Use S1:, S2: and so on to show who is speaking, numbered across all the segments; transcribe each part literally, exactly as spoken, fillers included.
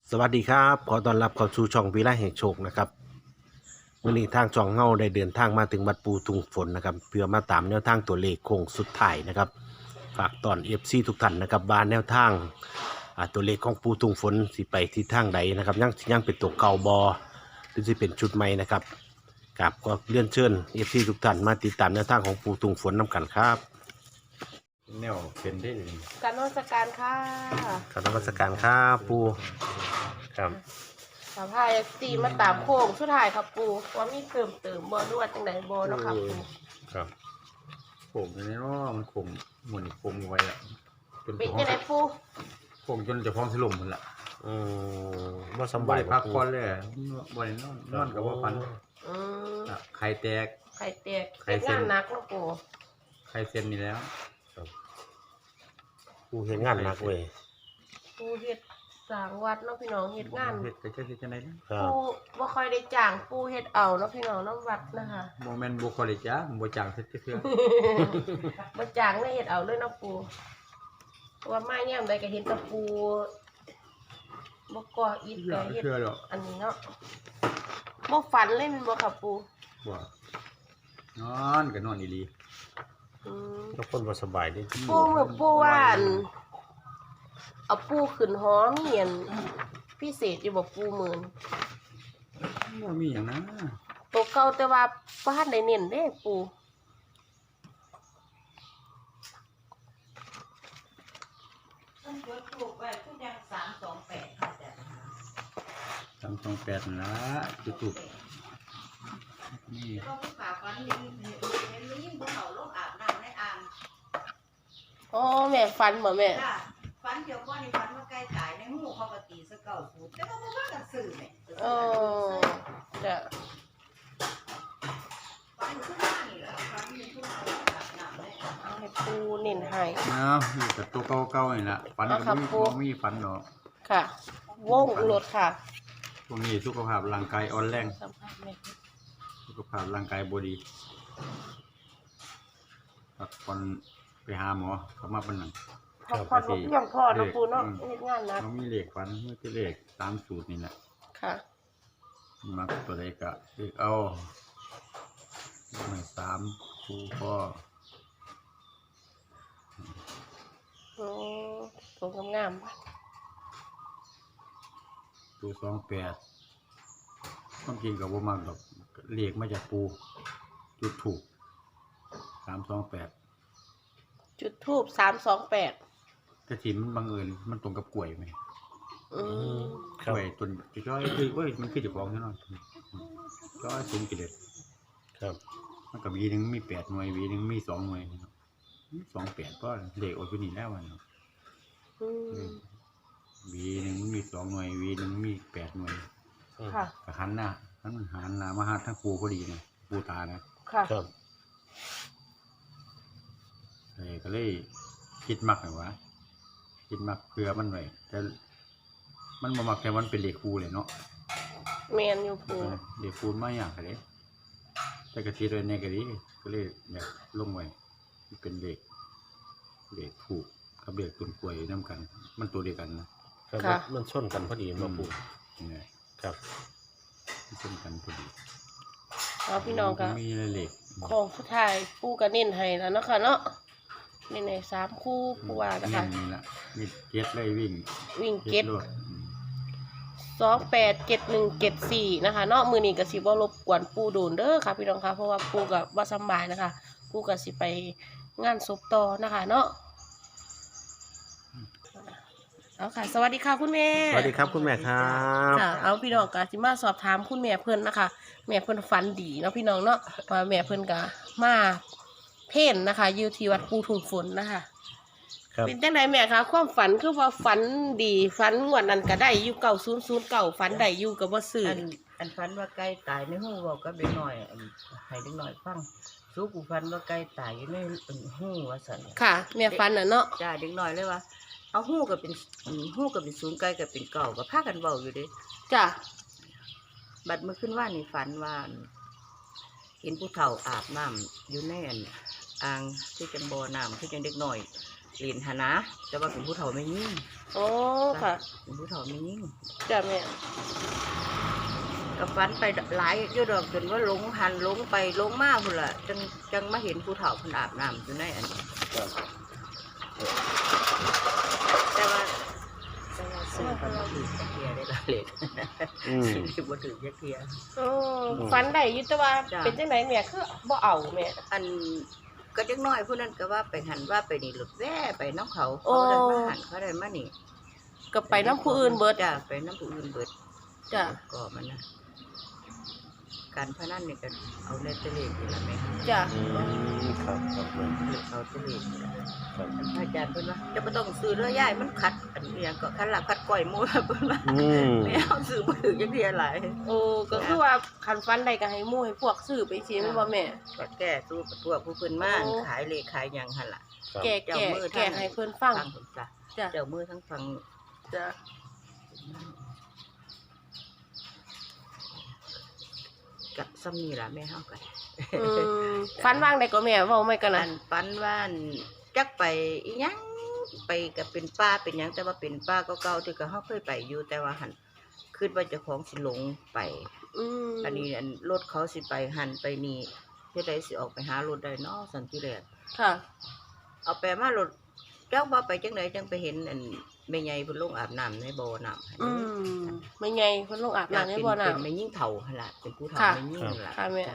S1: สวัสดีครับขอต้อนรับเข้าสู่ช่องวิไลแห่งโชคนะครับวันนี้ทางช่องเฮาได้เดินทางมาถึงวัดปูทุงฝนนะครับเพื่อมาตามแนวทางตัวเลขโค้งสุดท้ายนะครับฝากตอน เอฟ ซี ทุกท่านนะครับว่าแนวทางอ่าตัวเลขของปูทุงฝนสิไปที่ทางใดนะครับยังยังเป็นตัวเก่าบอหรือสิเป็นชุดใหม่นะครับกับก็เลื่อนเชิญ เอฟ ซี ทุกท่านมาติดตามแนวทางของปูทุงฝนนํกันครับ
S2: แนวเป็นได้เลย
S3: การนมัสการค่ะ
S1: ขอนมัสการครับปูครับ
S3: สภาพเอฟซีมาตามโค้งสุดท้ายครับปูว่ามีเติมเติมบอลวดจังไหนบอเนาะครับปู
S1: ครับ
S2: ผมในน้อมันคมหมุนคมไว้อะจน
S3: เป็น
S2: จะ
S3: จังไหนปู
S2: คมจนจะพร้อมสลบหมดละ
S1: อืมว่าสำ
S2: บ่
S1: บาย
S2: ได้พักผ่อนเลยบ่ได้นอนนอนกับว่าฟัน
S3: อืม
S2: อะไข่แตก
S3: ไข่แตก
S2: ไข่
S3: เป็น
S2: เส้น
S3: งานหนักเนาะปู
S2: ไข่เส้นนี่แล้ว
S1: ปูเห็นงานหนักเว้ย
S3: ปูเฮ็ดสร้างวัดเนาะพี่น้องเฮ็ดงาน
S2: เฮ็ดก็จะเฮ็ดจังได๋
S1: ครับ
S3: ปูบ่ค่อยได้จ้างปูเฮ็ดเอาเนาะพี่น้องเน้ำวัดนะคะ
S2: บ่แม่นบ่คอเลยจ้าบ่จ้างเฮ็ดเทื่อ
S3: บ่จ้างเลยเฮ็ดเอาเลยเนาะปูเพราะว่ามาแย่มใดก็เห็นแตะปูบ่ก่ออิฐก็เฮ็ด
S2: เทื่อดอก
S3: อันนี้เนาะบ่ฝันเลยแมันบ่ครับปู
S2: บ่นอนก็นอนอีหลี
S3: อืม
S1: ทุกคนว่าสบายดิ
S3: ปูมือปูว่าอันเอาปูขึ้นหอมีอันพิเศษอยู่บ่ปูหมื่น
S2: บ่มีหยังนะ
S3: ตัวเก่าแต่ว่าบ่ทันได้เน้นเด้ปู
S4: ต้นกล้วยปลูกไว้ทุกอย่างสามสองแปดค่ะจ้ะ
S2: สามสองแปดนั่นล่ะจุดๆนี่
S4: ก็ผู้ข่าวฟันเห็นเห็นเห็นยิ่งภูเขาลงอาบน้ำในอ่าง
S3: อ๋อแม่ฝันบ่แม่
S4: จ้ะฟันเกี่ยวก้อนในฟันว่าใกล้ตายในหูเขาก็ตีสะเก่าสูบแต่ก็บ่ว่ากันสื่อเนี่ย
S3: เออจ้ะ
S4: ฟันขึ้นมานี่แหละฟันมีภูเขาลงอาบน้ำในอ่าง
S3: เอาให้ปูเน้นให้
S2: อ้าวอยู่กับตัวเก่าๆนี่ล่ะฝันก็
S3: เอาครับ
S2: บ่มี
S3: ครู
S2: บ่มีฝันดอก
S3: ค่ะ วงรถค่ะ
S2: ช่วงนี้สุขภาพร่างกายอ่อนแรง
S3: สัมภาษณ์แม่
S2: สุขภาพร่างกายบ่ดีพักผ่อนไปหาหมอเขามาเป็นหนัง
S3: พักผ่อนบ่เพียงพอเนาะปูเนาะเฮ็ดงานหนัก
S2: เขามีเลขฝันมีแต่เลขตามสูตรนี่แหละ
S3: ค่ะ
S2: มักตัวใดก็เลขเอาหนึ่งสามครูพ่อ
S3: โอ้ตัวงามๆ
S2: ตัวสองแปดความจริงกับว่ามักดอกเลขมาจากปูจุดถูกสามสองแปด
S3: จุดทูบสามสองแปด
S2: กระถิ่นมันบังเอิญมันตรงกับกล้วยไหม
S3: อืม
S2: กล้วยต้นจ้อยคือเอ้ยมันคือเจะฟ้าของใช่ไหมจ้อยสูงกี่เด็ด
S1: ครับ
S2: มันกับวีหนึ่งมีแปดหน่วยวีหนึ่งมีสองหน่วยนะครับสองแปดก็เลขโอชุนี่แล้วมันเนาะ
S3: อืม
S2: วีหนึ่งมีสองหน่วยวีหนึ่งมีแปดหน่วย
S3: ค่ะ
S2: กระหันหน้าหันมันหันหน้ามาหาทั้งครูพอดีนะครูตานะ
S3: ค่ะ
S1: ครับ
S2: เลยก็เลยคิดมักเลยวะคิดมักเพื่อมันไว้แต่มันมามักแค่มันเป็นเลขครูเลยเนาะ
S3: แมนอยู่ปู
S2: เลขครูไม่อยากเลยแต่กระทิดไว้ในกระดีก็เลยอยากลงไว้มันเป็นเลขเลขถูกกับเลขต้นกล้วยน้ำกัน มันตัวเดียวกันนะครับ
S1: มันมันชนกันพอดีมาปู
S2: นี่ไง
S1: ครับ
S2: มันชนกันพอดี
S3: เอาพี่น้องก็
S2: มีเลข
S3: ของผู้ชายปูกระเน้นให้แล้วเนาะค่ะเนาะเน้นให้สามคู่ปูว่านะคะ
S2: นี่ละมีเก็ตเลยวิ่ง
S3: วิ่งเก็ต
S2: รวด
S3: สองแปดเจ็ดหนึ่งเจ็ดสี่นะคะเนาะมือนี้ก็สิบ่รบกวนปูโดนเด้อค่ะพี่น้องค่ะเพราะว่าปูกับว่าสำบายนะคะปูก็สิไปงานศพต่อนะคะเนาะเอาค่ะ สวัสดีค่ะคุณแม่
S1: สวัสดีครับคุณแม่ครับ
S3: ค่ะเอาพี่น้องก็สิมาสอบถามคุณแม่เพิ่นนะคะ แม่เพิ่นฝันดีเนาะพี่น้องเนาะว่าแม่เพิ่นก็มาเพ่นนะคะอยู่ที่วัดปูทุ่งฝนนะคะ
S1: ครับ
S3: เป็นจังไดแม่คะความฝันคือว่าฝันดีฝันงวดนั้นก็ได้อยู่เก่าศูนย์ศูนย์เก่าฝันได้อยู่กับบ่ซื้อ
S4: อันอันฟันว่าใกล้ตายในหูบอกก็เด็กหน่อยอันให้เด็กหน่อยฟังสู้กูฟันว่าใกล้ตายอยู่ในหูว่าสัน
S3: ค่ะแม่ฝันน่ะเนาะ
S4: จ้าเด็กหน่อยเลยว่าเอาหูกับเป็นอืมหูกับเป็นศูนย์ไกลกับเป็นเก่าก็พากันเบาอยู่เดิ
S3: จ้ะ
S4: บัดเมื่อขึ้นว่านี่ฝันว่าเห็นผู้เฒ่าอาบน้ำอยู่ในอันอ่างที่จังบ่อน้ำที่จังเด็กหน่อยเรียนหานะแต่ว่าเป็นผู้เฒ่าไม่ยิ่ง
S3: โอ้ค่ะ
S4: เป็นผู้เฒ่าไม่ยิ่ง
S3: จ้ะแม่
S4: ก็ฝันไปหลายอยู่ดอกจนว่าหลงหันหลงไปหลงมาพุ่นล่ะจังจังมาเห็นผู้เฒ่าเพิ่นอาบน้ำอยู่ในอันนี้
S2: ครับ
S4: แต่ว่าแต่ว่าซื้อกันมาถือจักเทียได้ละเล็ด
S1: อืม
S4: ซื้อบ่ถือจักเทีย
S3: โอ้ฝันได้อยู่แต่ว่า
S4: จ้ะ
S3: เป็นจังไดแม่คือบ่เอาแม่
S4: อันก็จักน้อยผู้นั้นก็ว่าไปหันว่าไปนี่หลุดแว่ไปน้ำเขา
S3: โอ้
S4: เขาได้มาหันเขาได้มานี่
S3: ก็ไปน้ำผู้อื่นเบิด
S4: จ้ะไปน้ำผู้อื่นเบิด
S3: จ้ะ
S4: ก็มันนะการพนันนี่ก็เอาเลตเตอรี่นี่ละแม่
S3: จ้ะ
S1: อืมครับครับแม่
S4: เอาเลตเตอรี่นี่ล่ะ
S1: ครับ
S4: พระอาจารย์เพิ่นว่าจะบ่ต้องซื้อเรือย่ายมันขัดอันนี้ยังก็คันละขัดก้อยหมูเพิ่นว่า
S1: อืม
S4: ไม่เอาซื้อบ่ถือจักเทียหลาย
S3: โอ้ก็คือว่าคันฝันได้ก็ให้หมู่ให้พวกซื้อไปสิแม่นบ่แม่
S4: ก็แก้สู้กับพวกผู้เพิ่นมา
S3: โอ้
S4: ขายเลขขายหยังหั่นล่ะ
S1: ครับ
S3: แก่
S4: เจ้า
S3: แก่
S4: มือ
S3: แก่
S4: ท่าน
S3: ให้เพิ่นฟัง
S4: ฟังผมจ้ะ
S3: จ้ะ
S4: เจ้ามือทั้งฟัง
S3: จ้ะ
S4: กับซ้ำนี่ล่ะแม่เฮากัน
S3: อืมฝันว่างได้ก็แม่เว้าไม่กัน
S4: อั
S3: นะ
S4: นปันว่าอันจักไปอีหยังไปก็เป็นป้าเป็นหยังแต่ว่าเป็นป้าเก่าๆที่ก็เฮาเคยไปอยู่แต่ว่าหันคิดว่าเจ้าของสิหลงไป
S3: อืม
S4: อันนี้อันรถเขาสิไปหันไปนี่เฮ็ดได้สิออกไปหารถได้เนาะสันติแลก
S3: ค่ะ
S4: เอาไปมารถเจ้าบ่ไปจังไดจังไปเห็นอันแม่ใหญ่เพิ่นลงอาบน้ำในบ่อน้ำหั่น
S3: อืมไม่ไงเพิ่นลงอาบน้ำในบ่อน้
S4: เป็นแม่ยิ่งเฒ่าหั่นล่ะเป็นผู้เฒ่า
S3: ค่ะ
S4: แม่ยิ่งล่ะ
S3: ค่ะแม่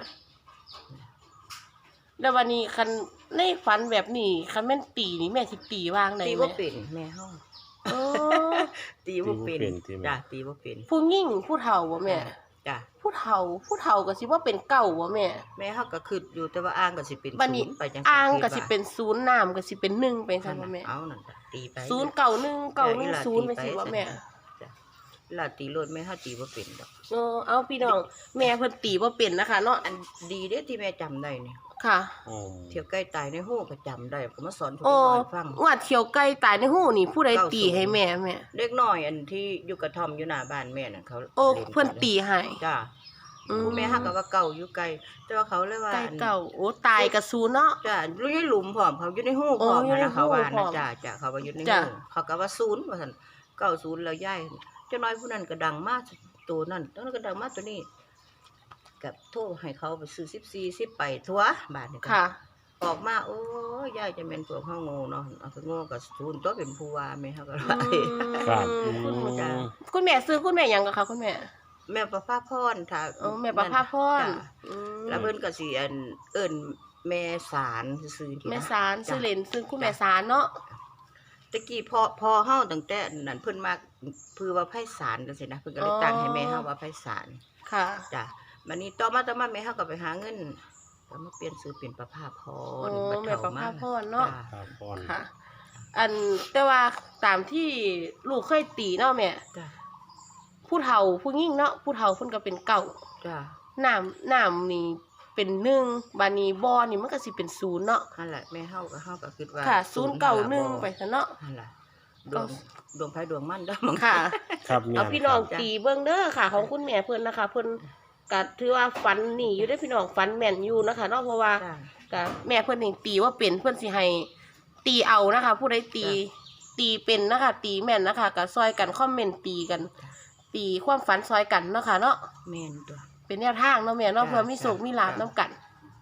S3: ำแล้ววันนี้คันในฝันแบบนี้คันแม่นตีนี่แม่สิตีวางได้
S4: ตี
S3: แม่
S4: บ่เป็นแม่เฮา
S3: โอ้
S4: ตีบ่เป็น
S1: ตีบ่เป็นตีบ่
S4: จ้ะตีบ่เป็น
S3: ผู้ยิ่งผู้เฒ่าบ่แม่
S4: จ้ะ
S3: ผู้เฒ่าผู้เฒ่าก็สิว่าเป็นเก่าบ่แม่
S4: แม่เฮาก็คิดอยู่แต่ว่าอ้างก็สิเป็น
S3: บัดนี้
S4: ศูย์ไปจัง
S3: อ่างก็
S4: คิด
S3: สิ
S4: ว่า
S3: เป็นศูนย์น้ำก็สิเป็นหนึ่งไปซั่นบ่แม่
S4: เอานั่นจ้ะตีไป
S3: ศูนย์เก่าหนึ่งเก่าหนึ่งศูนย์ไปสิบ่แม่
S4: จ้ะลาตีรถแม่เฮาตีบ่เป็นดอก
S3: เออเอาพี่น้องแม่เพิ่นตีบ่เป็นนะคะเนาะ
S4: อันดีเด้ที่แม่จำได้นี่
S3: ค่ะ
S1: อืม
S4: เที่ยวใกล้ตายในหูก็จำได้ก็มาสอนทุก
S3: โอ้
S4: คนฟัง
S3: ว่าเที่ยวไก่ตายในหูนี่ผู้ใดตีให้แม่แม่
S4: เด็กน้อยอันที่อยู่กระท่อมอยู่หน้าบ้านแม่น่ะเขา
S3: โอ้
S4: ล่กั
S3: เพิ่นตีให้
S4: จ้า
S3: อืม
S4: ผู้แม่ฮักก็ว่าเก่าอยู่ไกลแต่ว่าเขาเลยว่า
S3: ไก่เก่าโอ้ตายกับศูนย์เนาะ
S4: จ้าอยู่ในหลุมพร้อมเขาอยู่ในหูพร้อม
S3: โอ้อยู่ใน
S4: นะเขาว่า
S3: หูพร้
S4: นะ
S3: อม
S4: จ้าจ้าเขาว่าอยู่ใน
S3: จ้ะ
S4: หูเขาก็ว่าศูนย์ว่าซั่นเก้าศูนย์แล้วย้ายเจ้าน้อยผู้นั้นก็ดังมากตัวนั้นตัวนั้นก็ดังมากตัวนี้กับโทรให้เขาไปซื้อสิบสี่สิบไปทั่วบาทนี่ก็
S3: ค่ะ
S4: ออกมาโอ้ยยายจะเป็นพวกเฮาโง่เนาะเอาไปโง่กับศูนย์ตัวเป็นผู้ว่าแม่เฮาก็
S3: อื
S4: ว่า
S1: ครับ
S3: มคุณ
S1: อืม
S4: จ้ะ
S3: คุณแม่ซื้อคุณแม่หยังกับคะคุณแม่
S4: แม่ประภาพรถ้า
S3: อ๋อแม่ประภาพร
S4: จ้ะ
S3: อืม
S4: แล้วเพิ่นก็สิอันเอิ้นแม่สารซื่อๆที
S3: แม่
S4: นะ
S3: สารซื้อเหรนซื้อคุณแม่สารเนาะ
S4: ตะกี้พอพอเฮาตั้งแต่นั้นเพิ่นมาคือว่าไผศาลจังซี่นะเพิ่นก็เลยตั้งให้แม่เฮาว่าไผศาล
S3: ค่ะ
S4: จ้ะบัดนี้ต่อมาต่อมาแม่เฮาก็ไปหาเงินก็มาเปลี่ยนชื่อเป็นประภาพ
S3: อ๋
S4: ร
S3: อ
S4: บัด
S3: แม่
S4: เฒ่
S3: ประภาพรเนาะ
S4: จ้
S1: ครับพร
S3: ค่ะ อันแต่ว่าตามที่ลูกเคยตีเนาะแม่
S4: จ้ะ
S3: ผู้เฒ่าผู้ยิ่งเนาะผู้เฒ่าเพิ่นก็เป็นเก่า
S4: จ้ะ
S3: น้ำน้ำนี่เป็นหนึ่งบานี้บ่อนี่มันก็สิเป็นศูนย์เนาะ
S4: นั่นแหละแม่เฮาก็เฮาก็คิดว่า
S3: ค่ะศูนย์เก่าหนึ่งไปซะเนาะ
S4: นั่นแหละดวงดวงไผดวงมันเด้อมึง
S3: ค่ะ
S1: ครับแม่
S3: เอาพี่น้อง
S1: ครับ
S3: ตีเบิ่งเด้อค่ะ ของคุณแม่เพิ่นนะคะเพิ่นก็ถือว่าฝันนี่อยู่ได้อพี่น้องฝันแม่นอยู่นะคะเนาะเพราะว่า
S4: จ้ะ
S3: ก็แม่เพิ่นนี่ตีว่าเป็นเพิ่นสิให้ตีเอานะคะ ผู้ใดตี
S4: จ้
S3: ตีเป็นนะคะ ตีแม่นนะคะก็ซอยกันคอมเมนต์ตีกัน ตีความฝันซอยกันเนาะค่ะเนาะ
S4: แม่นตัว
S3: เป็นแนวทางเนาะแม่เนาะ
S4: จ้ะ
S3: เพื่อมีโศก
S4: จ้ะ
S3: มีลาภนํกัน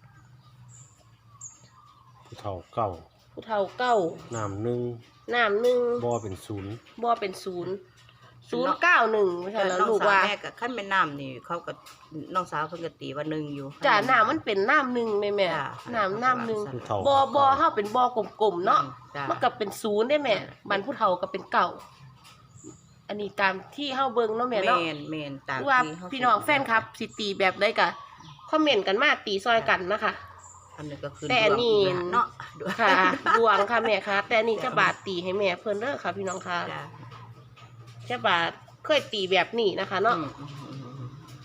S1: ผู้เฒ่าเก้า
S3: ผู้เฒ่าเก้า
S1: น้ำหนึ่ง
S3: น้ำหนึ่ง
S1: บ่เป็นศูนย์
S3: บ่เป็นศูนย์ศูนย์เก้าหนึ่งไม่ใช่แล้ว
S4: น้อง
S3: ลูก
S4: สาว
S3: ว่า
S4: แม่ก็คันแม่น้ำนี่เขาก็น้องสาวเพิ่นก็ตีว่าหนึ่งอยู่
S3: จ้าน้ำมันเป็นน้ำหนึ่งแม่แม่
S4: จ้ะ
S3: น้ำน้ำหนึ่ง
S1: ผู้เฒ่า
S3: บ่บ่เฮาเป็นบ่กลมๆเนาะ
S4: จ้ะ
S3: มันก็เป็นศูนย์ได้แม่บันผู้เฒ่าก็เป็นเก่า อันนี้ตามที่เฮาเบิ่งเนาะแม่
S4: แม่
S3: เนาะ
S4: นแม่นตาม
S3: หรือว่า
S4: ที่เฮา
S3: พี่น้องแฟนครับสิตีแบบใดก็คอมเมนต์กันมาตีซอยกันนะคะ
S4: อันนี้ก็คือ
S3: แต่อันนี้
S4: ดวงเนาะดวง
S3: ค่ะ ดวงค่ะแม่ค่ะ แต่อันนี้จะบาดตีให้แม่เพิ่นเด้อค่ะ พี่น้องค่ะ
S4: จ้ะ
S3: จะบาดเคยตีแบบนี้นะคะเนาะ
S4: อืมอืมอืมอืม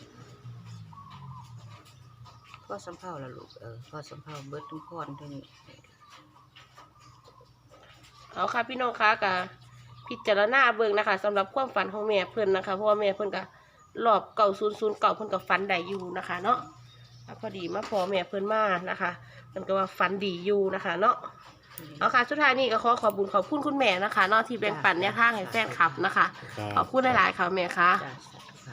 S4: พ่อสำเภาละลูกเออพ่อสำเภาเบิดทุกคนเท่านี้
S3: เอาค่ะพี่น้องค่ะก็พิจารณาเบิ่งนะคะสำหรับความฝันของแม่เพิ่นนะคะเพราะว่าแม่เพิ่นก็รอบเก่าศูนย์ศูนย์เก่าเพิ่นก็ฝันได้อยู่นะคะเนาะพอดีมาพอแม่เพิ่นมานะคะเพิ่นก็ว่าฝันดีอยู่นะคะ เนาะเอาค่ะสุดท้ายนี้ก็ขอขอบคุญขอบคุณคุณแม่นะคะเนอกที่แบ่งปันแนวทางให้แฟนคลับนะคะ ขอบคุณหลายๆค่ะแม่ค่ะ
S4: จ้ะค่ะ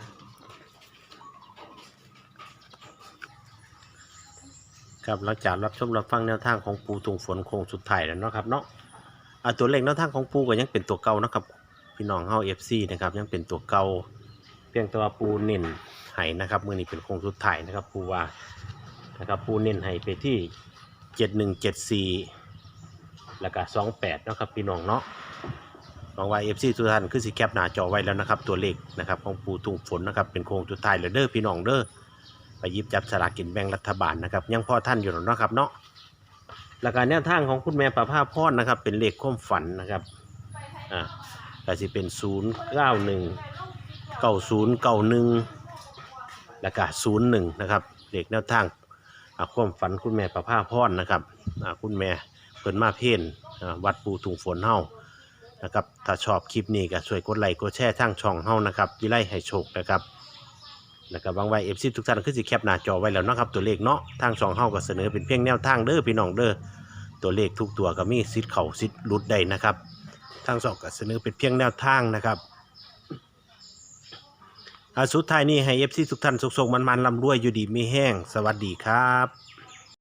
S1: ครับหลังจากรับชมรับฟังแนวทางของปูทุงฝนโค้งสุดท้ายแล้วเนาะครับเนาะอ่าตัวเลขแนวทางของปูก็ยังเป็นตัวเก่านะครับพี่น้องเฮา เอฟ ซี นะครับยังเป็นตัวเก่าเพียงแต่ว่าปูเน้นให้นะครับมื้อนี้เป็นโค้งสุดท้ายนะครับปูว่านะครับปูเน้นให้ไปที่เจ็ดหนึ่งเจ็ดสี่แล้วก็สองแปดเนาะครับพี่น้องเนาะหวังว่า เอฟ ซี ทุกท่านคือสิแคปหน้าจอไว้แล้วนะครับตัวเลขนะครับของปูทุงฝนนะครับเป็นโค้งสุดท้ายแล้วเด้อพี่น้องเด้อไปหยิบจับสลากกินแบ่งรัฐบาลนะครับยังพอท่านอยู่หรอกเนาะครับเนาะแล้วก็แนวทางของคุณแม่ประภาพรนะครับเป็นเลขความฝันนะครับอ่าก็สิเป็นศูนย์เก้าหนึ่งเก้าศูนย์เก้าหนึ่งแล้วก็ศูนย์หนึ่งนะครับเลขแนวทางอ่าความฝันคุณแม่ประภาพรนะครับอ่าคุณแม่เพิ่นมาเพ่นอ่าวัดปูถุงฝนเฮานะครับถ้าชอบคลิปนี้ก็ช่วยกดไลค์กดแชร์ทางช่องเฮานะครับวิไลให้โชคนะครับแล้วก็บางไว้ เอฟ ซี ทุกท่านคือสิแคปหน้าจอไว้แล้วเนาะครับตัวเลขเนาะทางช่องเฮาก็เสนอเป็นเพียงแนวทางเด้อพี่น้องเด้อตัวเลขทุกตัวก็มีสิทธิ์เข้าสิทธิ์หลุดได้นะครับทางช่องก็เสนอเป็นเพียงแนวทางนะครับอ่าสุดท้ายนี้ให้ เอฟ ซี ทุกท่านสุขๆมันๆร่ำรวยอยู่ดีมีแห้งสวัสดีครับ